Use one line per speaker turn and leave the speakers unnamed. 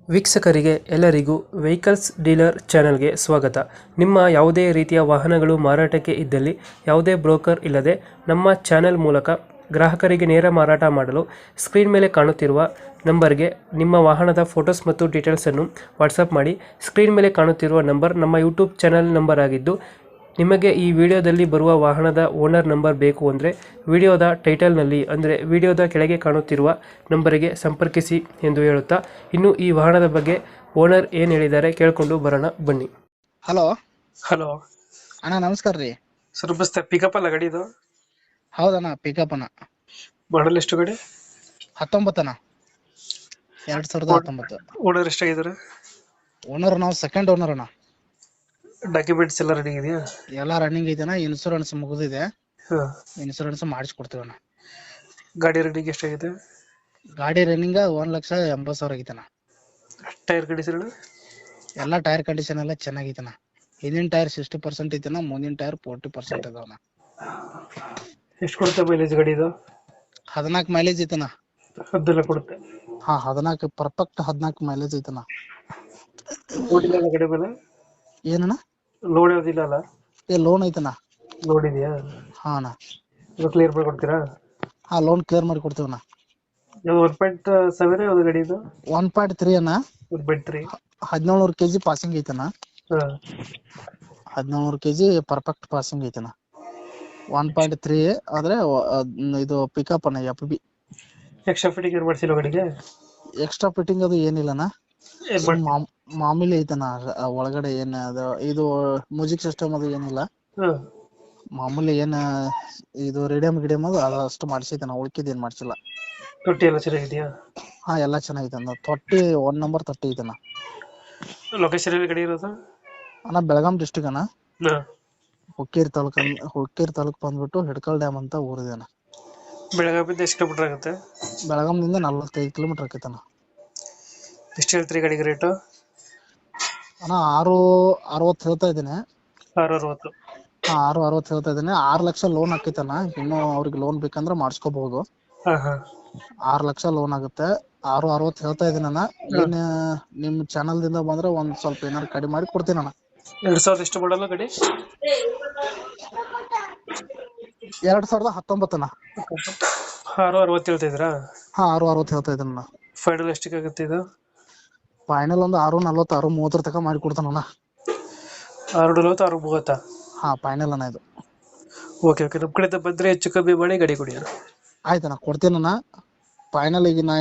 ವೀಕ್ಷಕರಿಗೆ ಎಲ್ಲರಿಗೂ vehicles dealer ಚಾನೆಲ್ಗೆ ಸ್ವಾಗತ. ನಿಮ್ಮ ಯಾವುದೇ ರೀತಿಯ ವಾಹನಗಳು ಮಾರಾಟಕ್ಕೆ ಇದ್ದಲ್ಲಿ ಯಾವುದೇ ಬ್ರೋಕರ್ ಇಲ್ಲದೆ ನಮ್ಮ ಚಾನೆಲ್ ಮೂಲಕ ಗ್ರಾಹಕರಿಗೆ ನೇರ ಮಾರಾಟ ಮಾಡಲು ಸ್ಕ್ರೀನ್ ಮೇಲೆ ಕಾಣುತ್ತಿರುವ ನಂಬರ್ಗೆ ನಿಮ್ಮ ವಾಹನದ ಫೋಟೋಸ್ ಮತ್ತು ಡೀಟೇಲ್ಸನ್ನು ವಾಟ್ಸಪ್ ಮಾಡಿ. ಸ್ಕ್ರೀನ್ ಮೇಲೆ ಕಾಣುತ್ತಿರುವ ನಂಬರ್ ನಮ್ಮ ಯೂಟ್ಯೂಬ್ ಚಾನೆಲ್ ನಂಬರ್ ಆಗಿದ್ದು, ನಿಮಗೆ ಈ ವಿಡಿಯೋದಲ್ಲಿ ಬರುವ ವಾಹನದ ಓನರ್ ನಂಬರ್ ಬೇಕು ಅಂದರೆ ವಿಡಿಯೋದ ಟೈಟಲ್ನಲ್ಲಿ ಅಂದರೆ ವಿಡಿಯೋದ ಕೆಳಗೆ ಕಾಣುತ್ತಿರುವ ನಂಬರಿಗೆ ಸಂಪರ್ಕಿಸಿ ಎಂದು ಹೇಳುತ್ತಾ, ಇನ್ನು ಈ ವಾಹನದ ಬಗ್ಗೆ ಓನರ್ ಏನು ಹೇಳಿದ್ದಾರೆ ಕೇಳಿಕೊಂಡು ಬರೋಣ ಬನ್ನಿ.
ಹಲೋ
ಹಲೋ
ಅಣ್ಣ, ನಮಸ್ಕಾರ ರೀ.
ಸರ್ ಬಸ್ತೆ ಪಿಕಪ್ ಅಲ್ಲ ಗಾಡಿ ಇದು?
ಹೌದಣ್ಣ, ಪಿಕಪ್ ಅಣ್ಣ.
ಮಾಡಲ್ ಎಷ್ಟು ಗಾಡಿ?
19 ಅಣ್ಣ, 2019.
ಓನರ್ ಎಷ್ಟಾಗಿದ್ದಾರೆ?
ಓನರ್ ನಾವು ಸೆಕೆಂಡ್ ಓನರ್ ಅಣ್ಣ.
ಡಾಕ್ಯುಮೆಂಟ್ಸ್ ಎಲ್ಲ ರೆಡಿ ಇದೆಯಾ?
ಎಲ್ಲ ರನ್ನಿಂಗ್ ಐತೆಣ್ಣ. ಇನ್ಸೂರೆನ್ಸ್ ಮುಗಿದಿದೆ.
ಹಾಂ,
ಇನ್ಸೂರೆನ್ಸ್ ಮಾಡಿಸ್ಕೊಡ್ತೀವಣ್ಣ.
ಗಾಡಿ ರೆಡಿಗೆ ಎಷ್ಟಾಗಿದೆ?
ಗಾಡಿ ರನ್ನಿಂಗ್ 1,80,000 ಆಗೈತಣ್ಣ.
Tyre condition?
ಎಲ್ಲ ಟೈರ್ ಕಂಡೀಷನ್ ಎಲ್ಲ ಚೆನ್ನಾಗೈತಣ್ಣ. ಹಿಂದಿನ ಟೈರ್ 60% ಐತಣ್ಣ, ಮುಂದಿನ ಟೈರ್ 40% ಅದಾವಣ್ಣ.
ಎಷ್ಟು ಕೊಡುತ್ತೆ ಮೈಲೇಜ್ ಗಾಡಿ ಇದು?
14 ಮೈಲೇಜ್ ಐತಣ್ಣ.
ಅದೆಲ್ಲ ಕೊಡುತ್ತೆ?
ಹಾ, 14 ಪರ್ಫೆಕ್ಟ್ 14 ಮೈಲೇಜ್ ಐತಣ್ಣ.
ಲೋಡ್ ಇಲ್ಲ ಗಾಡಿ ಮೇಲೆ?
ಏನಣ್ಣ?
ಲೋಡ್ ಯಾವುದಿಲ್ಲ ಅಲ್ಲ?
ಲೋನ್ ಐತಣ್ಣ.
ಲೋಡ್ ಇದೆಯಾ?
ಹಾ ಅಣ್ಣ.
ಇದು ಕ್ಲಿಯರ್ ಮಾಡಿ ಕೊಡ್ತೀರಾ?
ಹಾ, ಲೋನ್ ಕ್ಲಿಯರ್ ಮಾಡಿ ಕೊಡ್ತೀವಣ್ಣ.
ಇದು 1.7 ಯಾವ್ದು ಗಾಡಿ ಇದು?
1.3 ಅಣ್ಣ.
1.3.
1700 kg ಪಾಸಿಂಗ್ ಐತಣ್ಣ.
ಹಾಂ,
1700 kg ಪರ್ಫೆಕ್ಟ್ ಪಾಸಿಂಗ್ ಐತಣ್ಣ. 1.3 ಆದ್ರೆ ಇದು ಪಿಕಪ್ ಅಣ್ಣ, FB.
ಎಕ್ಸ್ಟ್ರಾ ಫಿಟ್ಟಿಂಗ್ ಏನು ಮಾಡಿಸಿಲ್ಲ ಗಾಡಿಗೆ?
ಎಕ್ಸ್ಟ್ರಾ ಫಿಟ್ಟಿಂಗ್ ಅದು ಏನಿಲ್ಲಣ್ಣ.
ಏನು ಮಾಡಿ?
ಮಾಮೂಲಿ ಐತಣ್ಣ. ಒಳಗಡೆ ಏನ್ ಅದು ಇದು ಮ್ಯೂಸಿಕ್ ಸಿಸ್ಟಮ್ ಅದು ಏನಿಲ್ಲ.
ಹಾಂ,
ಮಾಮೂಲಿ ಏನ್ ಇದು ರೇಡಿಯಂ ಗಿಡಿಯಂ ಅದು ಅಷ್ಟು ಮಾಡಿಸೈತಣ್ಣ. ಉಳ್ಕಿದ್ ಏನ್ ಮಾಡ್ಸಿಲ್ಲ.
ತೊಟ್ಟಿ ಎಲ್ಲ ಚೆನ್ನಾಗಿದೆಯಾ?
ಹಾ, ಎಲ್ಲಾ ಚೆನ್ನಾಗೈತಣ್ಣ. ತೊಟ್ಟಿ 1 ನಂಬರ್ ತೊಟ್ಟಿ ಐತಣ್ಣ.
ಲೊಕೇಶನ್ ಎಲ್ಲಿ ಗಾಡಿ ಇರೋದು?
ಅಣ್ಣ, ಬೆಳಗಾಂ ಡಿಸ್ಟಿಕ್ ಅಣ್ಣ.
ಹಾಂ,
ಹುಕ್ಕೇರಿ ತಾಲೂಕ್ ಬಂದ್ಬಿಟ್ಟು ಹಿಡ್ಕಲ್ ಡ್ಯಾಮ್ ಅಂತ ಊರಿದೆ ಅಣ್ಣ.
ಬೆಳಗಾವಿಂದ ಎಷ್ಟು ಕಿಲೋಮೀಟರ್ ಆಗುತ್ತೆ?
ಬೆಳಗಾಂದಿಂದ 45 ಕಿಲೋಮೀಟರ್ ಆಕೈತಣ್ಣ.
ಎಷ್ಟು ಹೇಳ್ತೀರಿ ಗಾಡಿಗೆ ರೇಟು?
ಅಣ್ಣ, 660 ಹೇಳ್ತಾ ಇದ್ದೀನಿ.
660.
ಹಾ, 660 ಹೇಳ್ತಾ ಇದ್ದೀನಿ. 6 ಲಕ್ಷ ಲೋನ್ ಹಾಕೈತಣ್ಣ. ಇನ್ನು ಅವ್ರಿಗೆ ಲೋನ್ ಬೇಕಂದ್ರೆ ಮಾಡಿಸ್ಕೋಬಹುದು.
ಹಾಂ ಹಾಂ,
6 ಲಕ್ಷ ಲೋನ್ ಆಗುತ್ತೆ. 660 ಹೇಳ್ತಾ ಇದೀನಿ ಅಣ್ಣ. ಏನ್ ನಿಮ್ ಚಾನಲ್ ದಿಂದ ಬಂದ್ರೆ ಒಂದ್ ಸ್ವಲ್ಪ ಏನಾರು ಕಡಿಮೆ ಮಾಡಿ ಕೊಡ್ತೀನಿ ಅಣ್ಣ.
2000 ಎಷ್ಟು ಮಾಡಲ್ಲ ಗಾಡಿ?
2019 ಅಣ್ಣ.
660 ಹೇಳ್ತಾ ಇದ್ದೀರಾ?
ಹಾ, 660 ಹೇಳ್ತಾ ಇದೀನಿ ಅಣ್ಣ.
ಫೈನಲ್ ಎಷ್ಟಕ್ಕೆ ಆಗುತ್ತೆ ಇದು?
ಫೈನಲ್ ಒಂದು 640 630 ತನಕ ಮಾಡಿ ಕೊಡ್ತಾನಣ್ಣ.
640 630?
ಹಾ, ಫೈನಲ್ ಅಣ್ಣ ಇದು.
ಓಕೆ ಓಕೆ, ನಮ್ಮ ಕಡೆಯಿಂದ ಬಂದರೆ ಹೆಚ್ಚು ಕಮ್ಮಿ ಮಾಡಿ ಗಾಡಿ ಕೊಡಿ.
ಆಯ್ತಣ್ಣ, ಕೊಡ್ತೀನಣ್ಣ. ಫೈನಲ್ ಈಗ ನಾ